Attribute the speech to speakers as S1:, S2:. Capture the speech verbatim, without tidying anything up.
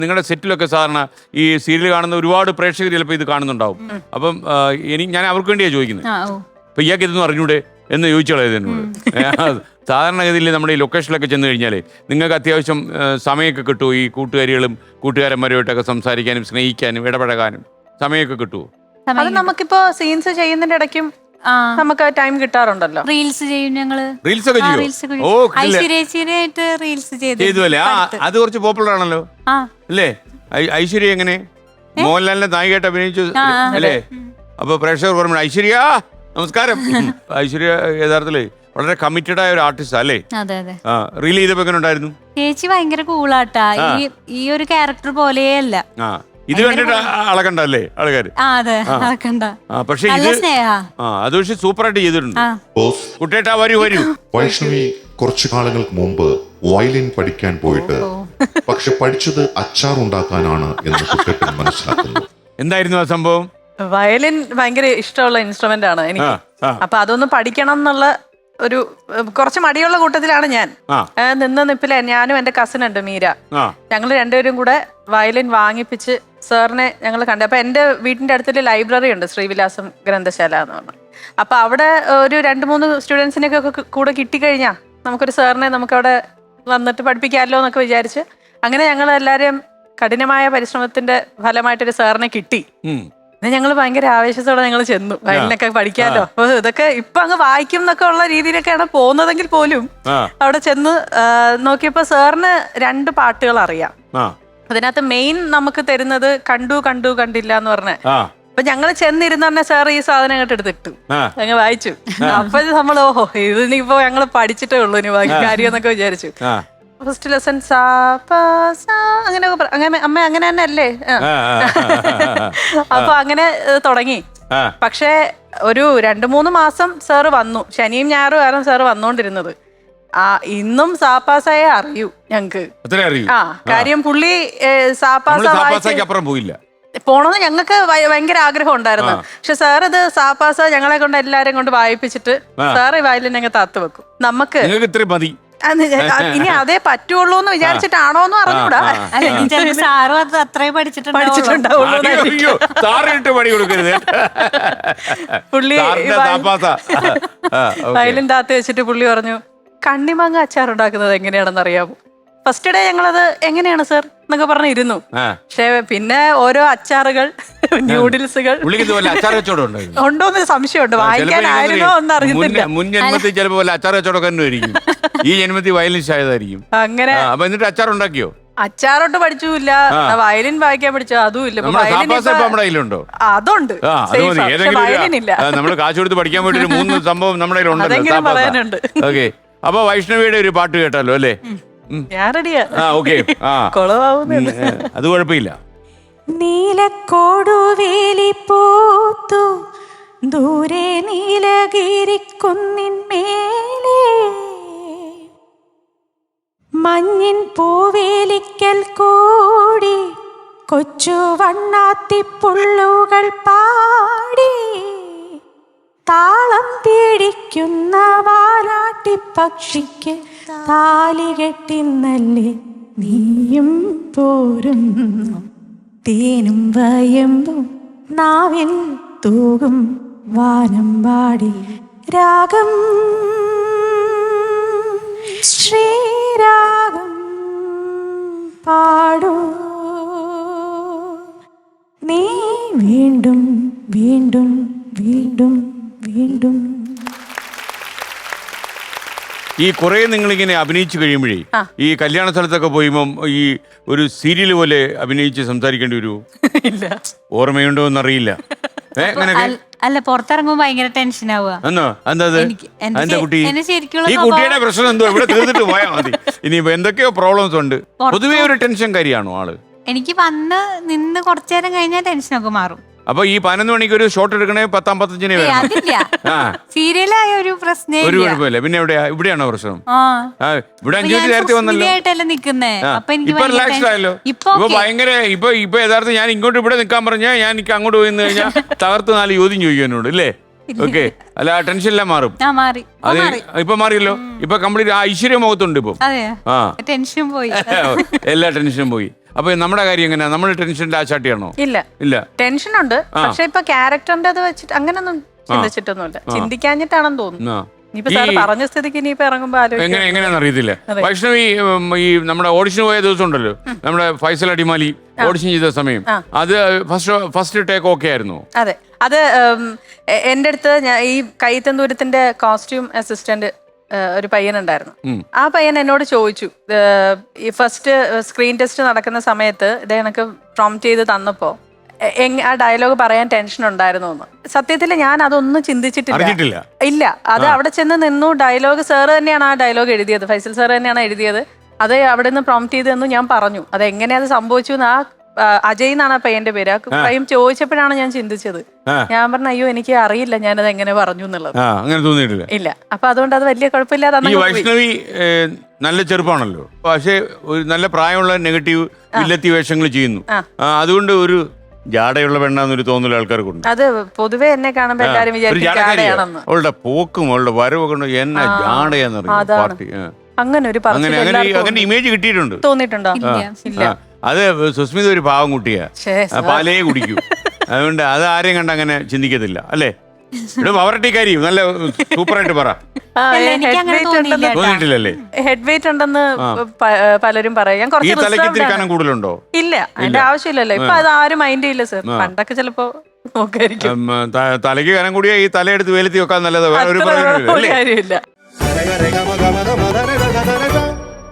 S1: നിങ്ങളുടെ സെറ്റിലൊക്കെ സാധാരണ ഈ സീരിയൽ കാണുന്ന ഒരുപാട് പ്രേക്ഷകർ ചിലപ്പോൾ ഇത് കാണുന്നുണ്ടാവും. അപ്പം എനിക്ക് ഞാൻ അവർക്ക് വേണ്ടിയാണ് ചോദിക്കുന്നത്. അപ്പൊ ഇയാൾക്ക് ഇതൊന്നും അറിഞ്ഞൂടെ എന്ന് ചോദിച്ചോളാം എന്നോട്. സാധാരണഗതിയിൽ നമ്മുടെ ഈ ലൊക്കേഷനിലൊക്കെ ചെന്ന് കഴിഞ്ഞാൽ നിങ്ങൾക്ക് അത്യാവശ്യം സമയമൊക്കെ കിട്ടുമോ? ഈ കൂട്ടുകാരികളും കൂട്ടുകാരന്മാരുമായിട്ടൊക്കെ സംസാരിക്കാനും സ്നേഹിക്കാനും ഇടപഴകാനും സമയമൊക്കെ കിട്ടുമോ?
S2: അത് നമുക്കിപ്പോ സീൻസ് ചെയ്യുന്നതിന്റെ ഇടയ്ക്കും നമുക്ക് ടൈം കിട്ടാറുണ്ടല്ലോ.
S3: റീൽസ് ചെയ്യും ഞങ്ങള്.
S1: റീൽസ് ഒക്കെ ചെയ്യും. ഓ
S3: ഐശ്വര്യേച്ചിയായിട്ട് റീൽസ്
S1: ചെയ്തു അല്ലേ? ആ അത് കുറച്ച് പോപ്പുലർ ആണല്ലോ അല്ലേ? ഐശ്വര്യ എങ്ങനെ മോഹൻലാലിന്റെ നായികയായിട്ട് അഭിനയിച്ചു അല്ലേ? അപ്പൊ പ്രേക്ഷകർ പറഞ്ഞു ഐശ്വര്യ നമസ്കാരം. ഐശ്വര്യ യഥാർത്ഥത്തില് വളരെ കമ്മിറ്റഡ് ആയ ഒരു ആർട്ടിസ്റ്റ് അല്ലേ?
S3: അതെ അതെ.
S1: ആ റീൽ ചെയ്തപ്പോ എങ്ങനെ ഉണ്ടായിരുന്നു?
S3: ചേച്ചി ഭയങ്കര കൂളാട്ടാ. ഈ ഈ ഒരു ക്യാരക്ടർ പോലെയല്ല.
S1: ആ ഇത് കണ്ടിട്ട് അളകണ്ടല്ലേ ആൾക്കാര്?
S3: അതെ അളക്കണ്ട.
S1: പക്ഷെ ഇത് അത് പക്ഷെ സൂപ്പർ ആയിട്ട് ചെയ്തിട്ടുണ്ട്. കുട്ടേട്ടാ വരൂ വരൂ.
S4: വൈഷ്ണവി കുറച്ചു കാലങ്ങൾക്ക് മുമ്പ് വയലിൻ പഠിക്കാൻ പോയിട്ട് പക്ഷെ പഠിച്ചത് അച്ചാർ ഉണ്ടാക്കാനാണ് എന്ന് കുട്ടേട്ടൻ മനസ്സിലാക്കുന്നു.
S1: എന്തായിരുന്നു ആ സംഭവം?
S2: വയലിൻ ഭയങ്കര ഇഷ്ടമുള്ള ഇൻസ്ട്രുമെന്റ് ആണ് എനിക്ക്. അപ്പൊ അതൊന്ന് പഠിക്കണം എന്നുള്ള ഒരു കുറച്ച് മടിയുള്ള കൂട്ടത്തിലാണ് ഞാൻ. നിന്ന് നിപ്പിലെ ഞാനും എന്റെ കസിൻ ഉണ്ട് മീര, ഞങ്ങൾ രണ്ടുപേരും കൂടെ വയലിൻ വാങ്ങിപ്പിച്ച് സാറിനെ ഞങ്ങൾ കണ്ടു. അപ്പൊ എന്റെ വീടിന്റെ അടുത്തൊരു ലൈബ്രറി ഉണ്ട്, ശ്രീവിലാസം ഗ്രന്ഥശാല എന്ന് പറഞ്ഞു. അപ്പൊ അവിടെ ഒരു രണ്ട് മൂന്ന് സ്റ്റുഡൻസിനൊക്കെ കൂടെ കിട്ടിക്കഴിഞ്ഞാൽ നമുക്കൊരു സാറിനെ നമുക്കവിടെ വന്നിട്ട് പഠിപ്പിക്കാമല്ലോ എന്നൊക്കെ വിചാരിച്ച് അങ്ങനെ ഞങ്ങൾ എല്ലാവരും കഠിനമായ പരിശ്രമത്തിന്റെ ഫലമായിട്ടൊരു സാറിനെ കിട്ടി. ഞങ്ങൾ ഭയങ്കര ആവേശത്തോടെ ഞങ്ങൾ ചെന്നു വയലിനൊക്കെ പഠിക്കാമല്ലോ. അപ്പൊ ഇതൊക്കെ ഇപ്പൊ അങ്ങ് വായിക്കും എന്നൊക്കെ ഉള്ള രീതിയിലൊക്കെയാണ് പോകുന്നതെങ്കിൽ പോലും അവിടെ ചെന്ന് നോക്കിയപ്പോ സാറിന് രണ്ട് പാട്ടുകൾ അറിയാം. അതിനകത്ത് മെയിൻ നമുക്ക് തരുന്നത് കണ്ടു കണ്ടു കണ്ടില്ല എന്ന് പറഞ്ഞ. അപ്പൊ ഞങ്ങള് ചെന്നിരുന്ന തന്നെ സാർ ഈ സാധനം അങ്ങോട്ട് എടുത്തിട്ടു ഞങ്ങൾ വായിച്ചു. അപ്പൊ നമ്മൾ ഓഹോ ഇതിനിപ്പോ ഞങ്ങൾ പഠിച്ചിട്ടേ ഉള്ളൂ ഇനി ബാക്കി കാര്യം എന്നൊക്കെ വിചാരിച്ചു. ഫസ്റ്റ് ലെസൺ സാ അങ്ങനെ അങ്ങനെ അമ്മ അങ്ങനെ തന്നെ അല്ലേ. അപ്പൊ അങ്ങനെ തുടങ്ങി. പക്ഷെ ഒരു രണ്ടു മൂന്ന് മാസം സാറ് വന്നു, ശനിയും ഞായറും ആയിരുന്നു സാറ് വന്നോണ്ടിരുന്നത്. ആ ഇന്നും സാപ്പാസായെ അറിയൂ ഞങ്ങക്ക്. ആ കാര്യം പുള്ളി സാപ്പാസ
S1: പോയില്ല
S2: പോണെന്ന് ഞങ്ങൾക്ക് ഭയങ്കര ആഗ്രഹം ഉണ്ടായിരുന്നു. പക്ഷെ സാർ ഇത് സാപ്പാസ ഞങ്ങളെ കൊണ്ട് എല്ലാരെയും കൊണ്ട് വായിപ്പിച്ചിട്ട് സാറ് വയലിൻ ഞങ്ങൾ താത്തു വെക്കും. നമുക്ക് ഇനി അതേ പറ്റുള്ളൂ എന്ന് വിചാരിച്ചിട്ടാണോന്ന് അറിഞ്ഞൂടാ.
S3: സാറും അത് അത്രയും
S2: പഠിച്ചിട്ടുണ്ടാവുള്ളൂ. പുള്ളി വയലിൻ താത്തി വെച്ചിട്ട് പുള്ളി പറഞ്ഞു കണ്ണിമാങ്ങ അച്ചാർ ഉണ്ടാക്കുന്നത് എങ്ങനെയാണെന്ന് അറിയാമോ? ഫസ്റ്റ് ഡേ ഞങ്ങളത് എങ്ങനെയാണ് സർ എന്നൊക്കെ പറഞ്ഞിരുന്നു. പക്ഷെ പിന്നെ ഓരോ അച്ചാറുകൾ ന്യൂഡിൽസുകൾ ഉണ്ടോന്ന് സംശയമുണ്ട്. വായിക്കാനായിരുന്നോ എന്ന് അറിയുന്നില്ല.
S1: മുൻ ജന്മത്തിൽ ചിലപ്പോൾ അച്ചാർ കച്ചവടക്കാരനായിരിക്കും, ഈ ജന്മത്തിൽ വയലിനിസ്റ്റ് ആയതായിരിക്കും.
S2: അങ്ങനെ
S1: എന്നിട്ട് അച്ചാർ ഉണ്ടാക്കിയോ?
S2: അച്ചാറോട്ട് പഠിച്ചില്ല, വയലിൻ വായിക്കാൻ പഠിച്ചോ അതും ഇല്ല. അതുണ്ട്, വയലിനില്ല.
S1: നമ്മള് കാശ് കൊടുത്ത് പഠിക്കാൻ വേണ്ടി ഒരു മൂന്ന് സംഭവം നമ്മുടെ
S2: പറയാനുണ്ട്.
S1: ഓക്കെ, അപ്പൊ വൈഷ്ണവിയുടെ ഒരു പാട്ട് കേട്ടാലോ അല്ലേ?
S2: ഞാൻ റെഡിയാ.
S1: അത് കുഴപ്പമില്ല.
S3: നീലക്കോടുവേലി പൂത്തു ദൂരെ നീലഗിരിക്കുന്നിന്മേലെ മഞ്ഞിൻ പൂവേലിക്കൽ കൂടി കൊച്ചു വണ്ണാത്തിപ്പുള്ളുകൾ പാടി താളം പിടിക്കുന്ന വാലാട്ടി പക്ഷിക്ക് താലി കെട്ടിന്നല്ലേ നീയും പോരും തേനും വയമ്പും നാവിൽ തൂകും വാനം പാടി രാഗം ശ്രീരാഗം പാടൂ നീ വീണ്ടും വീണ്ടും വീണ്ടും വീണ്ടും.
S1: ഈ കുറെ നിങ്ങളിങ്ങനെ അഭിനയിച്ചു കഴിയുമ്പോഴേ ഈ കല്യാണ സ്ഥലത്തൊക്കെ പോയുമ്പം ഈ ഒരു സീരിയൽ പോലെ അഭിനയിച്ച് സംസാരിക്കേണ്ടി വരുമോ? ഓർമ്മയുണ്ടോ എന്നറിയില്ല.
S3: അല്ല, പുറത്തിറങ്ങുമ്പോ ഭയങ്കര ടെൻഷൻ ആവുക.
S1: ഈ കുട്ടിയുടെ പ്രശ്നം എന്തോ ഇവിടെ തീർന്നിട്ട് പോയാൽ മതി. ഇനിയിപ്പോ എന്തൊക്കെയോ പ്രോബ്ലംസ് ഉണ്ട്. പൊതുവേ ഒരു ടെൻഷൻ കാര്യമാണോ ആള്?
S3: എനിക്ക് വന്ന് നിന്ന് കുറച്ചു നേരം കഴിഞ്ഞാൽ ടെൻഷനൊക്കെ മാറും.
S1: അപ്പൊ ഈ പതിനൊന്ന് മണിക്ക് ഒരു ഷോട്ട് എടുക്കണേ പത്താം പത്തഞ്ചിനെ
S3: സീരിയലായ ഒരു പ്രശ്നം
S1: ഒരു കുഴപ്പമില്ല. പിന്നെ എവിടെയാ? ഇവിടെയാണോ പ്രശ്നം? ഇവിടെ അഞ്ചു മിനിറ്റ് നേരത്തെ വന്നല്ലോ. ഇപ്പൊ റിലാക്സ്ഡ് ആയല്ലോ. ഇപ്പൊ ഭയങ്കര ഇപ്പൊ ഇപ്പൊ യഥാർത്ഥം ഞാൻ ഇങ്ങോട്ട് ഇവിടെ നിൽക്കാൻ പറഞ്ഞാൽ ഞാൻ എനിക്ക് അങ്ങോട്ട് പോയി നിന്ന് കഴിഞ്ഞാൽ തകർത്ത് നാല് ചോദ്യം ചോദിക്കാനോട് ഇല്ലേ? ഓക്കെ, അല്ല ടെൻഷൻ എല്ലാം മാറും. അത് ഇപ്പൊ മാറിയല്ലോ. ഇപ്പൊ കംപ്ലീറ്റ് ഐശ്വര്യ മുഖത്തുണ്ട് ഇപ്പൊ.
S3: ടെൻഷൻ പോയി,
S1: എല്ലാ ടെൻഷനും പോയി. അപ്പൊ നമ്മുടെ കാര്യം എങ്ങനെയാ? നമ്മൾ ടെൻഷന്റെ ആശാട്ടിയാണോ?
S2: ഇല്ല
S1: ഇല്ല,
S2: ടെൻഷൻ ഉണ്ട്. പക്ഷെ ഇപ്പൊ ക്യാരക്ടറിന്റെ അത് വെച്ചിട്ട് അങ്ങനൊന്നും ചിന്തിച്ചിട്ടൊന്നുമില്ല. ചിന്തിക്കാഞ്ഞിട്ടാണെന്ന് തോന്നുന്നു. ഇനിയിപ്പോ സാർ പറഞ്ഞ സ്ഥിതിക്ക് ഇനിയിപ്പോ ഇറങ്ങുമ്പോ
S1: എങ്ങനെ എങ്ങനെയാണെന്ന് അറിയത്തില്ല. വൈഷ്ണവി ഉം, ഈ നമ്മുടെ ഓഡിഷൻ പോയ ദിവസം ഉണ്ടല്ലോ, നമ്മുടെ ഫൈസൽ അടിമാലി ഓഡിഷൻ ചെയ്ത സമയം, അത് ഫസ്റ്റ് ഫസ്റ്റ് ടേക്ക് ഓക്കെ ആയിരുന്നു?
S2: അതെ, അത് ഉം, എ- എൻ്റെ അടുത്ത് ഞാൻ ഈ കൈത്തന്തൂരത്തിന്റെ കോസ്റ്റ്യൂം അസിസ്റ്റന്റ് ഒരു പയ്യനുണ്ടായിരുന്നു. ആ പയ്യൻ എന്നോട് ചോദിച്ചു, ഏഹ്, ഈ ഫസ്റ്റ് സ്ക്രീൻ ടെസ്റ്റ് നടക്കുന്ന സമയത്ത് ഇത് എനിക്ക് പ്രോംപ്റ്റ് ചെയ്ത് തന്നപ്പോ എ- എങ്- ആ ഡയലോഗ് പറയാൻ ടെൻഷൻ ഉണ്ടായിരുന്നു എന്ന്. സത്യത്തിൽ ഞാൻ അതൊന്നും ചിന്തിച്ചിട്ടില്ല.
S1: അറിഞ്ഞിട്ടില്ല.
S2: ഇല്ല, അത് അവിടെ ചെന്ന് നിന്നു. ഡയലോഗ് സാറ് തന്നെയാണ് ആ ഡയലോഗ് എഴുതിയത്, ഫൈസൽ സാർ തന്നെയാണ് എഴുതിയത്. അത് അവിടെ നിന്ന് പ്രോംപ്റ്റ് ചെയ്തെന്ന് ഞാൻ പറഞ്ഞു. അത് എങ്ങനെ അത് സംഭവിച്ചു എന്ന് ആ ആ, അജയ് എന്നാണ് ആ പയ്യന്റെ പേര്. ആ പയ്യൻ ചോദിച്ചപ്പോഴാണ് ഞാൻ ചിന്തിച്ചത്. ഞാൻ പറഞ്ഞു, അയ്യോ എനിക്ക് അറിയില്ല ഞാനത് എങ്ങനെ പറഞ്ഞു എന്നുള്ളത്.
S1: ആ, അങ്ങനെ തോന്നിയിട്ടില്ല.
S2: ഇല്ല, അപ്പൊ അതുകൊണ്ട് അത് വലിയ കുഴപ്പമില്ലാതെ
S1: ഈ
S2: അന്നങ്ങ് പോയി.
S1: വൈഷ്ണവി ഏഹ്, നല്ല ചെറുപ്പമാണല്ലോ, പക്ഷേ ഒരു നല്ല പ്രായമുള്ള നെഗറ്റീവ് വില്ലത്തി വേഷങ്ങൾ ചെയ്യുന്നു.
S2: ആ.
S1: ആ, അതുകൊണ്ട് ഒരു ജാടയുള്ള പെണ്ണാന്നൊരു തോന്നൽ ആൾക്കാർക്കുണ്ട്.
S2: അത് പൊതുവെ എന്നെ കാണുമ്പോ എല്ലാരും
S1: ഒരു
S2: വിചാരിക്കും
S1: ജാടക്കാരിയാ.
S2: ജാടയാണെന്ന്.
S1: അവളുടെ പോക്കും അവളുടെ വരവൊക്കെ ഉണ്ട്. എന്നാ ജാടയാന്നറിയാം
S2: അതാണ്.
S1: പാർട്ടി. ആ.
S2: അങ്ങനെ ഒരു
S1: അങ്ങനെ
S2: പറച്ചിൽ
S1: അങ്ങനെ
S2: എല്ലാവർക്കും
S1: അങ്ങനെ ഇമേജ് കിട്ടിയിട്ടുണ്ട്.
S2: തോന്നിയിട്ടുണ്ടോ?
S3: ഇല്ല.
S2: ഇല്ല.
S1: ആ, അത് സുസ്മിത ഒരു പാവം കുട്ടിയാ,
S2: ശ്ശേ,
S1: ആ, പാലേ കുടിക്കൂ. അതുകൊണ്ട് അത് ആരെയും കണ്ട് അങ്ങനെ ചിന്തിക്കത്തില്ല അല്ലേ? ഇവിടെ പവറട്ടിക്കാരി നല്ല സൂപ്പറായിട്ട് പറ.
S2: ആ,
S3: അല്ല,
S2: head
S3: എനിക്ക് അങ്ങനെ
S2: weight
S3: തോന്നിയില്ല
S2: ഉണ്ടെന്ന്
S3: കേട്ടോ.
S1: തോന്നിയിട്ടില്ലല്ലേ?
S2: ഹെഡ് വെയിറ്റ് ഉണ്ടെന്ന് പ- പലരും പറയും. ഞാൻ
S1: ഈ
S2: കുറച്ച്
S1: തലയ്ക്ക്
S2: reserved
S1: ഇത്തിരി
S2: ആണ്.
S1: കനം കൂടുതലുണ്ടോ?
S2: ഇല്ല, അതിന്റെ ആവശ്യമില്ലല്ലോ. ഇപ്പൊ അത് ആരും മൈൻഡ് ചെയ്യില്ല സർ. പണ്ടൊക്കെ ചിലപ്പോ നോക്കായിരിക്കും.
S1: ഉം, ത- തലയ്ക്ക് കനം കൂടിയ ഈ തലയെടുത്ത് വേലത്തി വെക്കാൻ നല്ലത്. വേറെ ഒരു
S2: അത്ര
S1: പ്രയോജനമില്ല അല്ലേ?
S2: കാര്യമില്ല.
S5: Rega, rega, maga, maga, maga, rega, rega, rega.